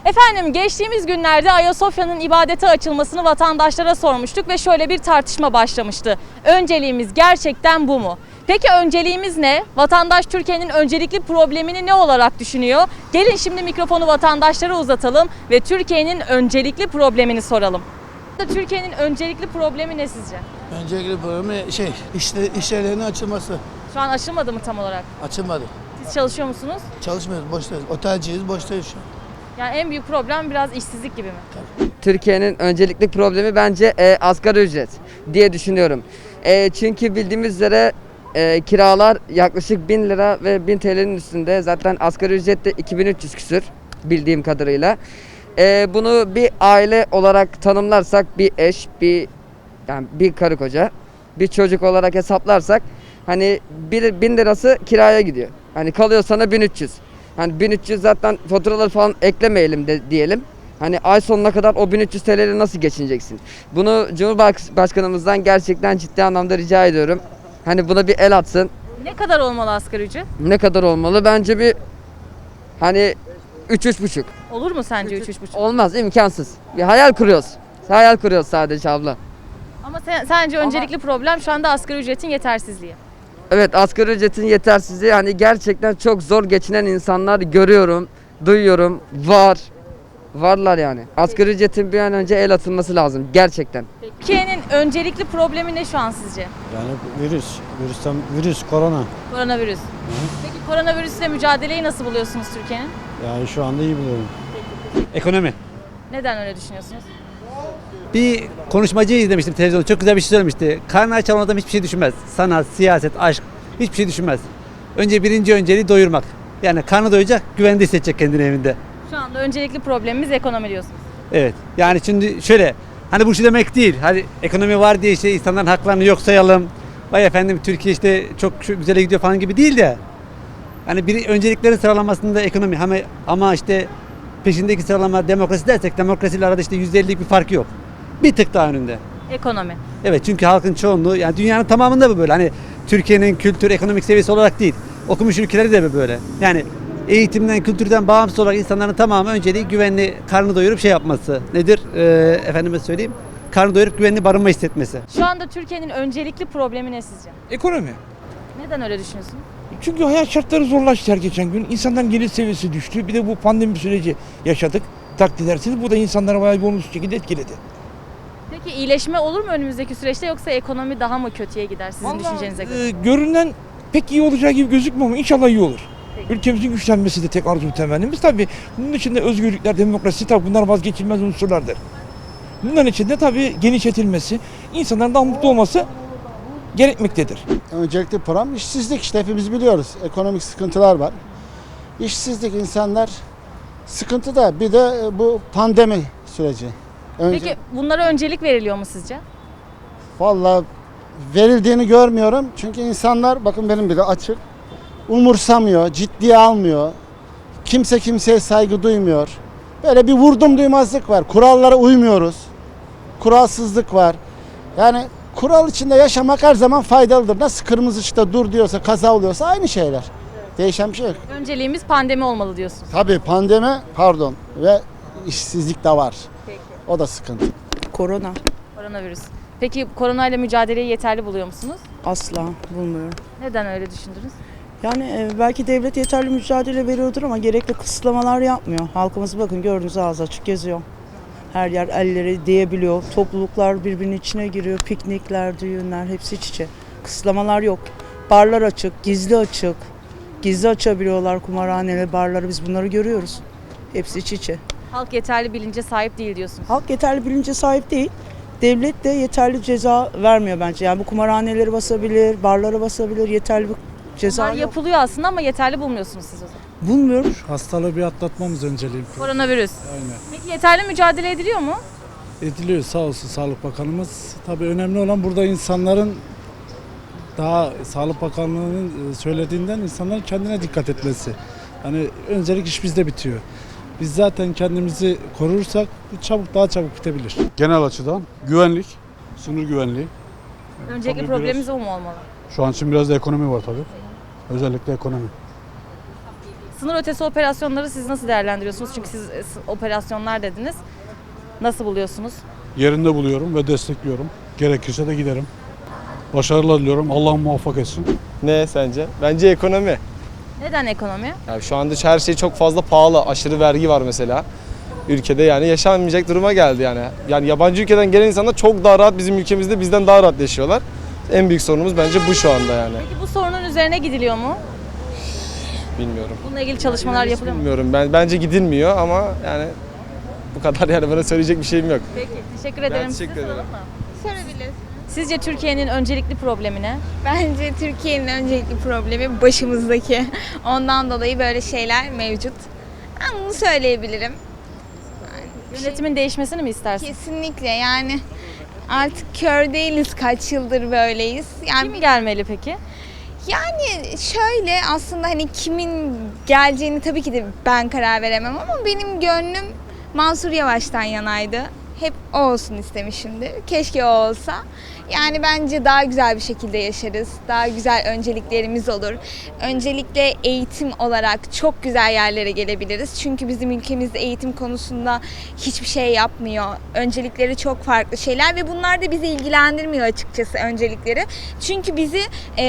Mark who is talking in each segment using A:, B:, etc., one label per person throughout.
A: Efendim geçtiğimiz günlerde Ayasofya'nın ibadete açılmasını vatandaşlara sormuştuk ve şöyle bir tartışma başlamıştı. Önceliğimiz gerçekten bu mu? Peki önceliğimiz ne? Vatandaş Türkiye'nin öncelikli problemini ne olarak düşünüyor? Gelin şimdi mikrofonu vatandaşlara uzatalım ve Türkiye'nin öncelikli problemini soralım. Türkiye'nin öncelikli problemi ne sizce?
B: Öncelikli problemi iş yerlerinin açılması.
A: Şu an aşılmadı mı tam olarak?
B: Açılmadı.
A: Siz çalışıyor musunuz?
B: Çalışmıyoruz, boştayız. Otelciyiz, boştayız şu an.
A: Yani en büyük problem biraz işsizlik gibi mi?
C: Türkiye'nin öncelikli problemi bence asgari ücret diye düşünüyorum. Çünkü bildiğimiz üzere kiralar yaklaşık 1000 lira ve 1000 TL'nin üstünde. Zaten asgari ücret de 2300 küsür bildiğim kadarıyla. Bunu bir aile olarak tanımlarsak bir eş, bir karı koca, bir çocuk olarak hesaplarsak hani 1000 lirası kiraya gidiyor. Hani kalıyor sana 1300. Hani 1300 zaten faturaları falan eklemeyelim de diyelim. Hani ay sonuna kadar o 1300 TL'yle nasıl geçineceksin? Bunu Cumhurbaşkanımızdan gerçekten ciddi anlamda rica ediyorum. Hani buna bir el atsın.
A: Ne kadar olmalı asgari ücret?
C: Ne kadar olmalı? Bence bir hani 3-3,5.
A: Olur mu sence 3-3,5?
C: Olmaz, imkansız. Bir hayal kuruyoruz. Hayal kuruyoruz sadece abla.
A: Ama sence öncelikli problem şu anda asgari ücretin yetersizliği.
C: Evet, asgari ücretin yetersizliği, hani gerçekten çok zor geçinen insanlar görüyorum, duyuyorum, varlar yani. Asgari ücretin bir an önce el atılması lazım gerçekten.
A: Türkiye'nin öncelikli problemi ne şu an sizce?
D: Yani virüs, korona.
A: Koronavirüs. Peki koronavirüsle mücadeleyi nasıl buluyorsunuz Türkiye'nin?
D: Yani şu anda iyi buluyorum.
E: Ekonomi.
A: Neden öyle düşünüyorsunuz?
E: Bir konuşmacı izlemiştim televizyonda. Çok güzel bir şey söylemişti. Karnı aç olan adam hiçbir şey düşünmez. Sanat, siyaset, aşk hiçbir şey düşünmez. Birinci önceliği doyurmak. Yani karnı doyacak, güvende hissedecek kendini evinde.
A: Şu anda öncelikli problemimiz ekonomi diyorsunuz.
E: Evet. Yani şimdi şöyle, hani bu şu demek değil. Hani ekonomi var diye işte insanların haklarını yok sayalım. Vay efendim Türkiye işte çok güzel gidiyor falan gibi değil de. Hani bir önceliklerin sıralamasında ekonomi ama işte peşindeki sıralama demokrasi dersek demokrasiyle arada işte %50'lik bir fark yok. Bir tık daha önünde.
A: Ekonomi.
E: Evet, çünkü halkın çoğunluğu, yani dünyanın tamamında bu böyle. Hani Türkiye'nin kültür, ekonomik seviyesi olarak değil. Okumuş ülkeleri de böyle. Yani eğitimden, kültürden bağımsız olarak insanların tamamı önceliği güvenli, karnı doyurup şey yapması. Nedir? Efendime söyleyeyim. Karnı doyurup güvenli barınma hissetmesi.
A: Şu anda Türkiye'nin öncelikli problemi ne sizce?
F: Ekonomi.
A: Neden öyle düşünüyorsunuz?
F: Çünkü hayat şartları zorlaştı her geçen gün. İnsanların gelir seviyesi düştü. Bir de bu pandemi süreci yaşadık. Takdir edersiniz. Bu da insanlara bayağı bir olumsuz şekilde etkiledi.
A: Peki iyileşme olur mu önümüzdeki süreçte yoksa ekonomi daha mı kötüye gider sizin düşüncenize göre?
F: Görünen pek iyi olacağı gibi gözükmüyor ama inşallah iyi olur.
A: Peki.
F: Ülkemizin güçlenmesi de tek arzu temennimiz. Tabii bunun içinde özgürlükler, demokrasi tabii bunlar vazgeçilmez unsurlardır. Bunların içinde tabii genişletilmesi, insanların daha mutlu olması gerekmektedir.
G: Öncelikle problem işsizlik, işte hepimiz biliyoruz. Ekonomik sıkıntılar var. İşsizlik, insanlar sıkıntıda. Bir de bu pandemi süreci.
A: Peki bunlara öncelik veriliyor mu sizce?
G: Vallahi verildiğini görmüyorum. Çünkü insanlar, bakın benim bile açık, umursamıyor, ciddiye almıyor. Kimse kimseye saygı duymuyor. Böyle bir vurdum duymazlık var. Kurallara uymuyoruz. Kuralsızlık var. Yani kural içinde yaşamak her zaman faydalıdır. Nasıl kırmızı ışıkta dur diyorsa, kaza oluyorsa aynı şeyler. Değişen bir şey yok.
A: Önceliğimiz pandemi olmalı diyorsunuz.
G: Tabii pandemi, ve işsizlik de var.
A: Peki.
G: O da sıkıntı.
A: Koronavirüs. Peki koronayla mücadeleyi yeterli buluyor musunuz?
H: Asla bulmuyorum.
A: Neden öyle düşündünüz?
H: Yani belki devlet yeterli mücadele veriyordur ama gerekli kısıtlamalar yapmıyor. Halkımız bakın gördüğünüz ağzı açık geziyor. Her yer elleri değebiliyor. Topluluklar birbirinin içine giriyor. Piknikler, düğünler hepsi iç içe. Kısıtlamalar yok. Barlar açık, gizli açık. Gizli açabiliyorlar kumarhaneleri, barları, biz bunları görüyoruz. Hepsi iç içe.
A: Halk yeterli bilince sahip değil diyorsunuz.
H: Halk yeterli bilince sahip değil. Devlet de yeterli ceza vermiyor bence. Yani bu kumarhaneleri basabilir, barları basabilir, yeterli bir ceza
A: Bunlar
H: yok.
A: yapılıyor aslında ama yeterli bulmuyorsunuz siz o zaman.
H: Bulmuyorum.
D: Hastalığı bir atlatmamız önceliğim.
A: Koronavirüs.
D: Aynen.
A: Peki yeterli mücadele ediliyor mu?
D: Ediliyor, sağ olsun Sağlık Bakanımız. Tabii önemli olan burada insanların, daha Sağlık Bakanlığı'nın söylediğinden insanların kendine dikkat etmesi. Yani öncelik iş bizde bitiyor. Biz zaten kendimizi korursak bu daha çabuk bitebilir.
I: Genel açıdan güvenlik, sınır güvenliği.
A: Öncelikli
I: Tabii
A: problemimiz o mu olmalı?
I: Şu an için biraz da ekonomi var tabii. Özellikle ekonomi.
A: Sınır ötesi operasyonları siz nasıl değerlendiriyorsunuz? Çünkü siz operasyonlar dediniz. Nasıl buluyorsunuz?
I: Yerinde buluyorum ve destekliyorum. Gerekirse de giderim. Başarılar diliyorum. Allah muvaffak etsin.
J: Ne sence? Bence ekonomi.
A: Neden ekonomi?
J: Yani şu anda her şey çok fazla pahalı. Aşırı vergi var mesela. Ülkede yani yaşanmayacak duruma geldi yani. Yani yabancı ülkeden gelen insanlar çok daha rahat bizim ülkemizde bizden daha rahat yaşıyorlar. En büyük sorunumuz bence bu şu anda yani.
A: Peki bu sorunun üzerine gidiliyor mu?
J: Bilmiyorum.
A: Bununla ilgili çalışmalar yapılıyor mu?
J: Bilmiyorum. Bence gidilmiyor ama yani bu kadar yani bana söyleyecek bir şeyim yok.
A: Peki, teşekkür ederim.
J: teşekkür
A: Size
J: ederim.
A: soralım mı?
K: Sorabilirsin.
A: Sizce Türkiye'nin öncelikli problemi ne?
K: Bence Türkiye'nin öncelikli problemi başımızdaki. Ondan dolayı böyle şeyler mevcut. Ben bunu söyleyebilirim.
A: Yönetimin değişmesini mi istersin?
K: Kesinlikle yani artık kör değiliz, kaç yıldır böyleyiz. Yani
A: Kim gelmeli peki?
K: Yani şöyle aslında hani kimin geleceğini tabii ki de ben karar veremem ama benim gönlüm Mansur Yavaş'tan yanaydı. Hep o olsun istemişimdir. Keşke o olsa. Yani bence daha güzel bir şekilde yaşarız. Daha güzel önceliklerimiz olur. Öncelikle eğitim olarak çok güzel yerlere gelebiliriz. Çünkü bizim ülkemizde eğitim konusunda hiçbir şey yapmıyor. Öncelikleri çok farklı şeyler ve bunlar da bizi ilgilendirmiyor açıkçası öncelikleri. Çünkü bizi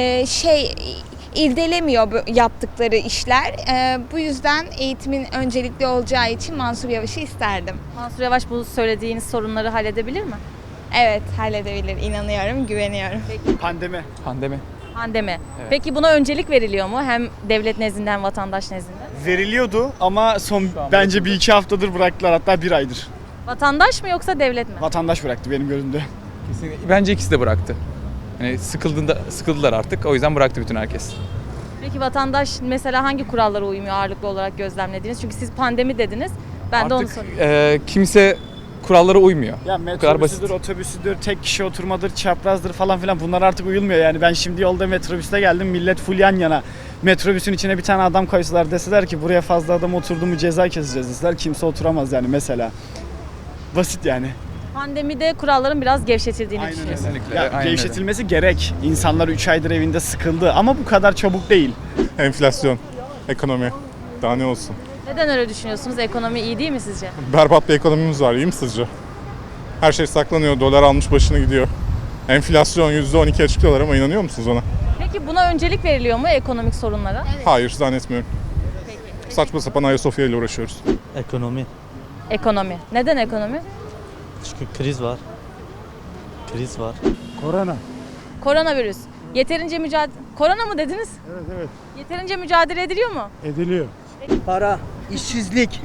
K: irdelemiyor bu yaptıkları işler. Bu yüzden eğitimin öncelikli olacağı için Mansur Yavaş'ı isterdim.
A: Mansur Yavaş bu söylediğiniz sorunları halledebilir mi?
K: Evet, halledebilir. İnanıyorum, güveniyorum.
J: Pandemi.
A: Pandemi.
J: Evet.
A: Peki buna öncelik veriliyor mu? Hem devlet nezdinde hem vatandaş nezdinde.
L: Veriliyordu ama bence bir iki haftadır bıraktılar, hatta bir aydır.
A: Vatandaş mı yoksa devlet mi?
L: Vatandaş bıraktı benim gözümde.
M: Kesinlikle. Bence ikisi de bıraktı. Yani sıkıldılar artık. O yüzden bıraktı bütün herkes.
A: Peki vatandaş mesela hangi kurallara uymuyor ağırlıklı olarak gözlemlediğiniz? Çünkü siz pandemi dediniz. Ben de onu soruyorum.
M: Kimse kurallara uymuyor.
L: Ya
M: kadar basit.
L: metrobüsüdür, otobüsüdür, tek kişi oturmadır, çaprazdır falan filan bunlar artık uyulmuyor yani. Ben şimdi yolda metrobüste geldim, millet full yan yana. Metrobüsün içine bir tane adam koysalar deseler ki buraya fazla adam oturdu mu ceza keseceğiz deseler kimse oturamaz yani mesela. Basit yani.
A: Pandemide kuralların biraz gevşetildiğini düşünüyorsunuz.
M: Kesinlikle.
L: Ya,
M: aynen öyle.
L: gevşetilmesi gerek. İnsanlar 3 aydır evinde sıkıldı ama bu kadar çabuk değil.
I: Enflasyon, ekonomi. Daha ne olsun?
A: Neden öyle düşünüyorsunuz? Ekonomi iyi değil mi sizce?
I: Berbat bir ekonomimiz var. İyi mi sizce? Her şey saklanıyor. Dolar almış başını gidiyor. Enflasyon %12 açıklıyorlar ama inanıyor musunuz ona?
A: Peki buna öncelik veriliyor mu ekonomik sorunlara?
I: Hayır, zannetmiyorum. Saçma sapan Ayasofya ile uğraşıyoruz.
N: Ekonomi.
A: Ekonomi. Neden ekonomi?
N: Çünkü kriz var. Kriz var.
D: Korona.
A: Koronavirüs. Yeterince Korona mı dediniz?
D: Evet.
A: Yeterince mücadele ediliyor mu?
D: Ediliyor.
B: Para, işsizlik,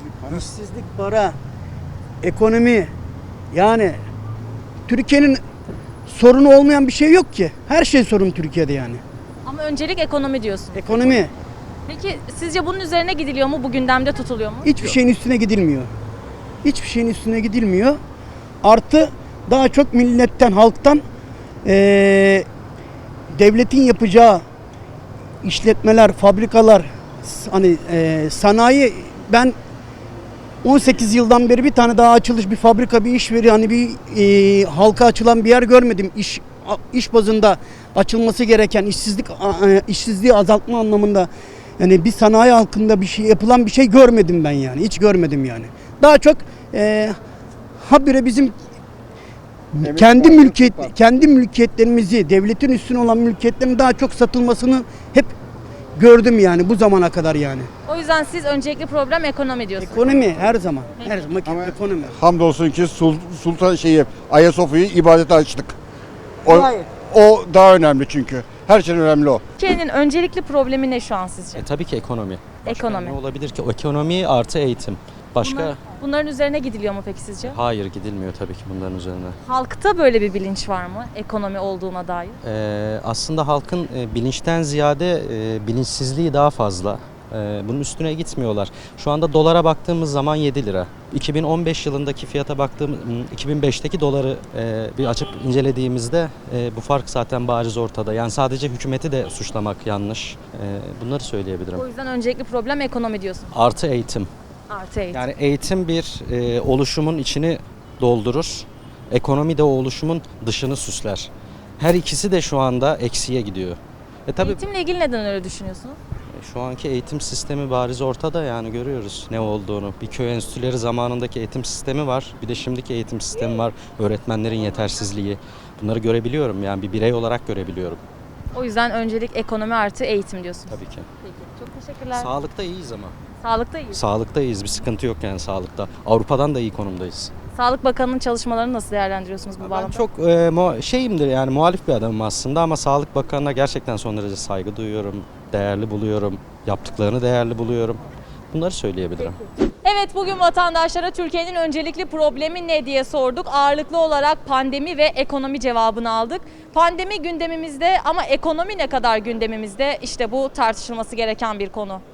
B: para, ekonomi. Yani Türkiye'nin sorunu olmayan bir şey yok ki. Her şey sorun Türkiye'de yani.
A: Ama öncelik ekonomi diyorsun.
B: Ekonomi.
A: Peki sizce bunun üzerine gidiliyor mu? Bu gündemde tutuluyor mu?
B: Hiçbir şeyin üstüne gidilmiyor. Hiçbir şeyin üstüne gidilmiyor. Artı daha çok milletten, halktan devletin yapacağı işletmeler, fabrikalar, hani sanayi, ben 18 yıldan beri bir tane daha açılış bir fabrika, bir iş veri, hani bir halka açılan bir yer görmedim. İş bazında açılması gereken işsizliği azaltma anlamında yani bir sanayi halkında bir şey yapılan bir şey görmedim ben yani. Hiç görmedim yani. Daha çok habire bizim kendi mülkiyetlerimizi, devletin üstüne olan mülkiyetlerin daha çok satılmasını hep gördüm yani bu zamana kadar yani.
A: O yüzden siz öncelikli problem ekonomi diyorsunuz.
B: Ekonomi her zaman. Her zaman ekonomi.
G: Hamdolsun ki Sultan Ayasofya'yı ibadete açtık.
B: Hayır.
G: O daha önemli çünkü. Her şeyden önemli o.
A: Türkiye'nin öncelikli problemi ne şu an sizce?
N: Tabii ki ekonomi.
A: Ekonomi.
N: Ne olabilir ki? O ekonomi artı eğitim. Başka?
A: Bunların üzerine gidiliyor mu peki sizce?
N: Hayır, gidilmiyor tabii ki bunların üzerine.
A: Halkta böyle bir bilinç var mı ekonomi olduğuna dair?
N: Aslında halkın bilinçten ziyade bilinçsizliği daha fazla. Bunun üstüne gitmiyorlar. Şu anda dolara baktığımız zaman 7 lira. 2015 yılındaki fiyata baktığımız, 2005'teki doları bir açıp incelediğimizde bu fark zaten bariz ortada. Yani sadece hükümeti de suçlamak yanlış. Bunları söyleyebilirim.
A: O yüzden öncelikli problem ekonomi diyorsun.
N: Artı eğitim.
A: Artı eğitim.
N: Yani eğitim bir oluşumun içini doldurur. Ekonomi de o oluşumun dışını süsler. Her ikisi de şu anda eksiye gidiyor. Tabii
A: Eğitimle ilgili neden öyle düşünüyorsunuz?
N: Şu anki eğitim sistemi bariz ortada, yani görüyoruz ne olduğunu. Bir köy enstitüleri zamanındaki eğitim sistemi var. Bir de şimdiki eğitim sistemi var. Öğretmenlerin yetersizliği. Bunları görebiliyorum, yani bir birey olarak görebiliyorum.
A: O yüzden öncelik ekonomi artı eğitim diyorsunuz.
N: Tabii ki.
A: Peki, çok teşekkürler.
N: Sağlıkta iyiyiz ama.
A: Sağlıkta iyi.
N: Sağlıkta iyiyiz. Bir sıkıntı yok yani sağlıkta. Avrupa'dan da iyi konumdayız.
A: Sağlık Bakanı'nın çalışmalarını nasıl değerlendiriyorsunuz bu
N: Ben
A: bağlamda?
N: çok şeyimdir, yani muhalif bir adamım aslında, ama Sağlık Bakanı'na gerçekten son derece saygı duyuyorum. Değerli buluyorum. Yaptıklarını değerli buluyorum. Bunları söyleyebilirim.
A: Evet, bugün vatandaşlara Türkiye'nin öncelikli problemi ne diye sorduk. Ağırlıklı olarak pandemi ve ekonomi cevabını aldık. Pandemi gündemimizde ama ekonomi ne kadar gündemimizde? İşte bu tartışılması gereken bir konu.